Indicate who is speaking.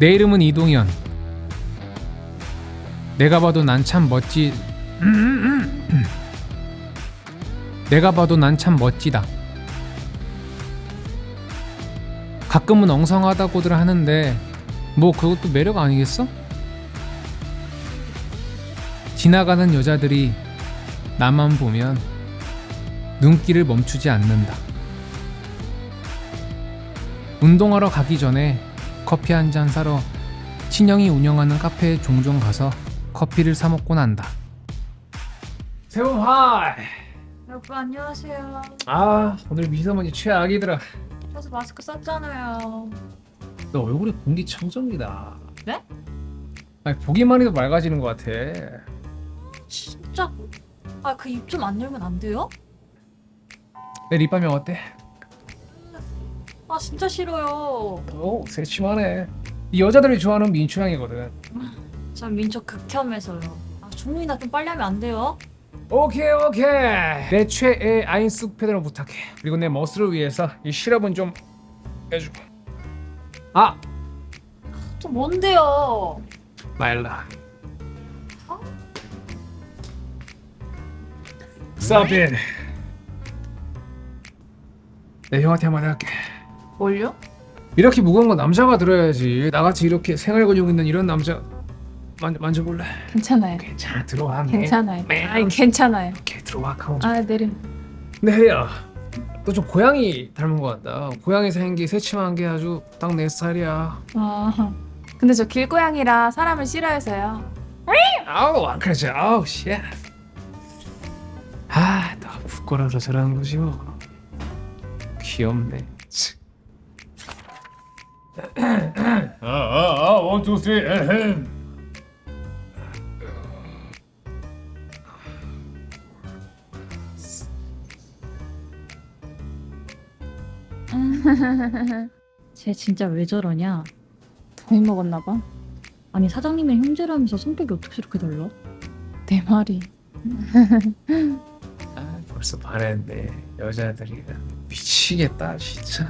Speaker 1: 내 이름은 이동현. 내가 봐도 난 참 내가 봐도 난 참 멋지다. 가끔은 엉성하다고들 하는데 뭐 그것도 매력 아니겠어? 지나가는 여자들이 나만 보면 눈길을 멈추지 않는다. 운동하러 가기 전에 커피 한 잔 사러 친형이 운영하는 카페에 종종 가서 커피를 사 먹고 난다. 세훈 하이.
Speaker 2: 여러분 안녕하세요.
Speaker 1: 아 오늘 미세먼지 최악이더라.
Speaker 2: 그래서 마스크 썼잖아요.
Speaker 1: 너 얼굴에 공기청정기다.
Speaker 2: 네?
Speaker 1: 아니 보기만 해도 맑아지는 것 같아.
Speaker 2: 진짜? 아 그 입 좀 안 열면 안 돼요?
Speaker 1: 내 립밤이 어때?
Speaker 2: 아 진짜 싫어요.
Speaker 1: 오 새침하네. 이 여자들이 좋아하는 민초향이거든.
Speaker 2: 전 민초 극혐해서요. 아 종민아 좀 빨리 하면 안 돼요?
Speaker 1: 오케이. 내 최애 아인스 패드로 부탁해. 그리고 내 머슬을 위해서 이 시럽은 좀 해주고. 아
Speaker 2: 또 뭔데요?
Speaker 1: 말라. 스탑잇. 내 형한테 한마디 할게.
Speaker 2: 뭘요?
Speaker 1: 이렇게 무거운 건 남자가 들어야지. 나같이 이렇게 생활 근육 있는 이런 남자 만져볼래?
Speaker 3: 괜찮아요.
Speaker 1: 괜찮아 들어와.
Speaker 3: 괜찮아요.
Speaker 1: 매-
Speaker 3: 아니 괜찮아요.
Speaker 1: 오케이 들어와 카운.
Speaker 3: 아 내려.
Speaker 1: 네 혜리야, 너 좀 고양이 닮은 것 같다. 고양이 생기 새침한 게 아주 딱 내 스타일이야.
Speaker 3: 아 근데 저 길고양이라 사람을 싫어해서요.
Speaker 1: 아우 안 그러지. 아우 씨. 아너 부끄러워서 저러는 거지 뭐. 귀엽네. 원, 투, 쓰리, 에헴.
Speaker 2: 쟤 진짜 왜 저러냐?
Speaker 3: 더 먹었나 봐.
Speaker 2: 아니 사장님이랑 형제라면서 성격이 어떻게 저렇게 달라?
Speaker 3: 내 말이.
Speaker 1: 아, 벌써 반했네. 여자들이 미치겠다 진짜.